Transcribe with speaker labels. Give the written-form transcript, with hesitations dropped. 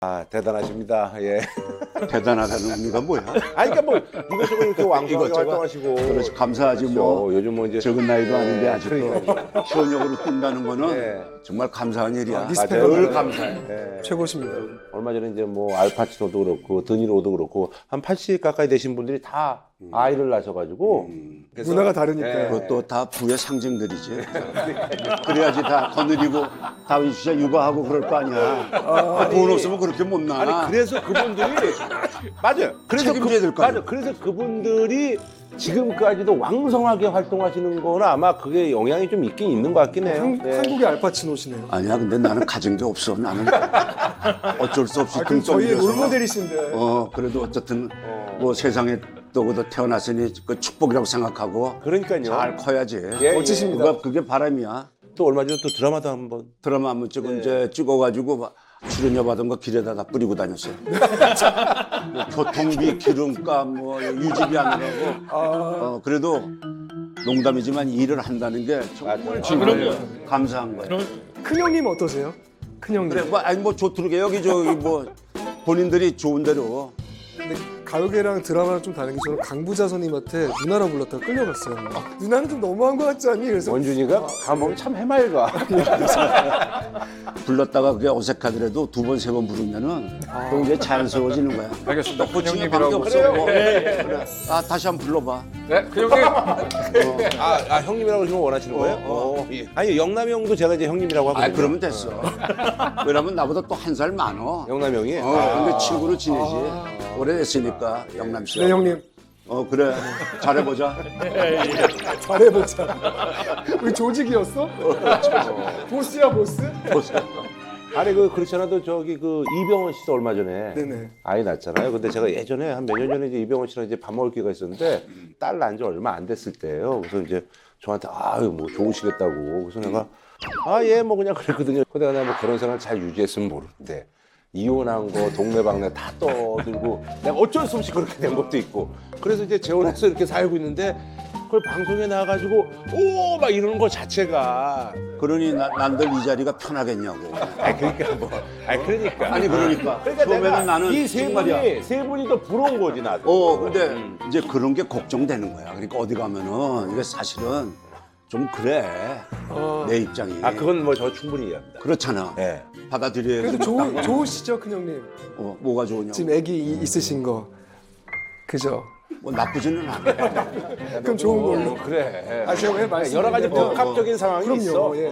Speaker 1: 아, 대단하십니다. 예.
Speaker 2: 대단하다는 의미가 뭐야?
Speaker 1: 아니, 그러니까 뭐 이것저것 이렇게 왕성하게
Speaker 2: 이것저것.
Speaker 1: 활동하시고.
Speaker 2: 그렇지, 감사하지
Speaker 1: 그렇죠.
Speaker 2: 뭐.
Speaker 1: 요즘 뭐 이제
Speaker 2: 적은 나이도 아닌데 아직도
Speaker 1: 그러니까요.
Speaker 2: 현역으로 뛴다는 거는
Speaker 1: 네.
Speaker 2: 정말 감사한 일이야.
Speaker 3: 리스펙.
Speaker 1: 늘 감사해. 예.
Speaker 3: 최고십니다.
Speaker 1: 얼마 전에 이제 뭐 알파치노도 그렇고 드니로도 그렇고 한 80 가까이 되신 분들이 다 아이를 낳으셔가지고 그래서
Speaker 3: 문화가 다르니까.
Speaker 1: 예.
Speaker 2: 그것도 다 부의 상징들이지. 그래야지 다 거느리고 다 진짜 육아하고 그럴 거 아니야. 돈 없으면 그렇게 못 나.
Speaker 1: 아니 그래서 그분들이 맞아요. 그래서
Speaker 2: 책임져야 될 거 아니야.
Speaker 1: 맞아. 그래서 그분들이 지금까지도 왕성하게 활동하시는 거는 아마 그게 영향이 좀 있긴 있는 것 같긴 해요. 네.
Speaker 3: 한국의 알파치노시네요.
Speaker 2: 아니야, 근데 나는 가진 게 없어. 나는 어쩔 수 없이
Speaker 3: 그럼 저희의
Speaker 2: 등떠밀려서.
Speaker 3: 롤모델이신데.
Speaker 2: 그래도 어쨌든 뭐 세상에 또 태어났으니 그 축복이라고 생각하고
Speaker 1: 그러니까요.
Speaker 2: 잘 커야지.
Speaker 1: 예,
Speaker 3: 멋지십니다.
Speaker 2: 그게 바람이야.
Speaker 1: 또 얼마 전에 또 드라마도 한번
Speaker 2: 드라마 한번 이제 찍어가지고 막 출연료 받은 거 길에다 다 뿌리고 다녔어요. 뭐 교통비, 기름값, 뭐 유지비 하느라고. 그래도 농담이지만 일을 한다는 게 정말 감사한 거예요.
Speaker 3: 큰형님 어떠세요? 큰형님.
Speaker 2: 그래, 뭐 아니 뭐 좋더라게 여기 저기 뭐 본인들이 좋은 대로.
Speaker 3: 근데 가요계랑 드라마랑 좀 다른 게 저는 강부자 선임한테 누나라 불렀다가 끌려갔어요. 누나는 좀 너무한 것 같지 않니? 그래서
Speaker 1: 원준이가 가면 참 해맑아.
Speaker 2: 불렀다가 그게 어색하더라도 두 번, 세 번 부르면은 또 이제 자연스러워지는 거야.
Speaker 4: 알겠습니다.
Speaker 2: 고치는
Speaker 4: 큰형님이라고.
Speaker 2: 관계 없어. 뭐. 그래. 아, 다시 한번 불러봐.
Speaker 4: 네, 큰형님.
Speaker 1: 형님이라고 지금 원하시는 거예요? 예. 아니 영남이 형도 제가 이제 형님이라고 하거든요.
Speaker 2: 아, 그러면 됐어. 왜냐면 나보다 또 한 살 많어.
Speaker 1: 영남이 형이.
Speaker 2: 근데 친구로 지내지. 오래됐으니까, 영남 씨.
Speaker 3: 네 형님
Speaker 2: 그래. 잘해보자.
Speaker 3: 잘해보자. 우리 조직이었어? 보스야 보스?
Speaker 1: 아니 그렇지 않아도 저기 그 이병헌 씨도 얼마 전에
Speaker 3: 네네.
Speaker 1: 아이 낳았잖아요. 근데 제가 예전에 한 몇 년 전에 이제 이병헌 씨랑 이제 밥 먹을 기회가 있었는데 딸 낳은 지 얼마 안 됐을 때예요. 그래서 이제 저한테 아유 뭐 좋으시겠다고. 그래서 내가 예 뭐 그냥 그랬거든요. 근데 내가 뭐 그런 생활 잘 유지했으면 모르는데 이혼한 거 동네방네 다 떠들고 내가 어쩔 수 없이 그렇게 된 것도 있고 그래서 이제 재혼해서 이렇게 살고 있는데 그걸 방송에 나와가지고 오 막 이러는 거 자체가
Speaker 2: 그러니 난들 이 자리가 편하겠냐고.
Speaker 1: 그러니까 뭐 그러니까
Speaker 2: 아니, 그러니까.
Speaker 1: 그러니까
Speaker 2: 처음에는
Speaker 1: 내가
Speaker 2: 나는
Speaker 1: 이 세
Speaker 2: 정말이야.
Speaker 1: 분이 세 분이 더 부러운 거지 나도.
Speaker 2: 근데 이제 그런 게 걱정되는 거야. 그러니까 어디 가면은 이게 사실은 좀 그래. 내 입장이.
Speaker 1: 그건 뭐 저 충분히 이해합니다.
Speaker 2: 그렇잖아.
Speaker 1: 예.
Speaker 2: 받아들여야
Speaker 3: 그래도
Speaker 2: 되겠다.
Speaker 3: 좋으시죠 큰형님?
Speaker 2: 뭐가 좋으냐고.
Speaker 3: 지금 애기 있으신 거 그죠?
Speaker 2: 뭐 나쁘지는 않아.
Speaker 3: 그럼 좋은 걸로.
Speaker 1: 그래.
Speaker 3: 제가 왜 말씀
Speaker 1: 여러 가지 복합적인 상황이
Speaker 3: 그럼요.
Speaker 1: 있어.
Speaker 3: 예.